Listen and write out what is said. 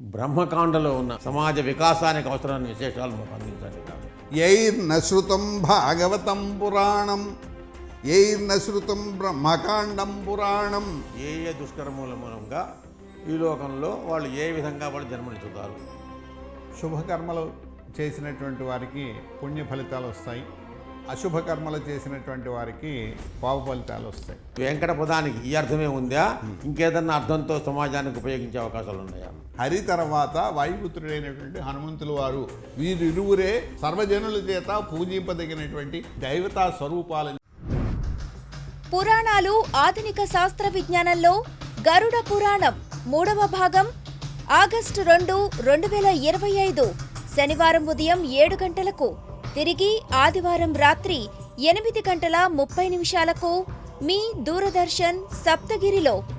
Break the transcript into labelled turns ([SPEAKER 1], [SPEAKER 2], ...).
[SPEAKER 1] బ్రహ్మకాండలో ఉన్న సమాజ వికాసానికి అవసరమైన విశేషాలు మాకు అందించండి.
[SPEAKER 2] యైర్నశ్రుతం భాగవతం పురాణం యైర్నశ్రుతం బ్రహ్మకాండం పురాణం.
[SPEAKER 1] ఏ ఏ దుష్కర్మల మూలంగా ఈ లోకంలో వాళ్ళు ఏ విధంగా వాళ్ళు జన్మనిచ్చుతారు.
[SPEAKER 2] శుభకర్మలు చేసినటువంటి వారికి పుణ్య ఫలితాలు వస్తాయి, అశుభకర్మలు చేసినటువంటి వారికి పాప ఫలితాలు వస్తాయి.
[SPEAKER 1] వెంకట పదానికి ఈ అర్థమే ఉందా, ఇంకేదన్నా అర్థంతో సమాజానికి ఉపయోగించే అవకాశాలు ఉన్నాయా?
[SPEAKER 2] హరి తర్వాత వాయుపుత్రుడైనటువంటి హనుమంతుల వారు వీరిరువురే సర్వజనుల చేత పూజింపదగినటువంటి దైవతా స్వరూపాలు.
[SPEAKER 3] పురాణాలు ఆధునిక శాస్త్ర విజ్ఞానంలో గరుడ పురాణం 3వ భాగం ఆగస్టు 2, 2025 శనివారం ఉదయం 7 గంటలకు, తిరిగి ఆదివారం రాత్రి 8:30 మీ దూరదర్శన్ సప్తగిరిలో.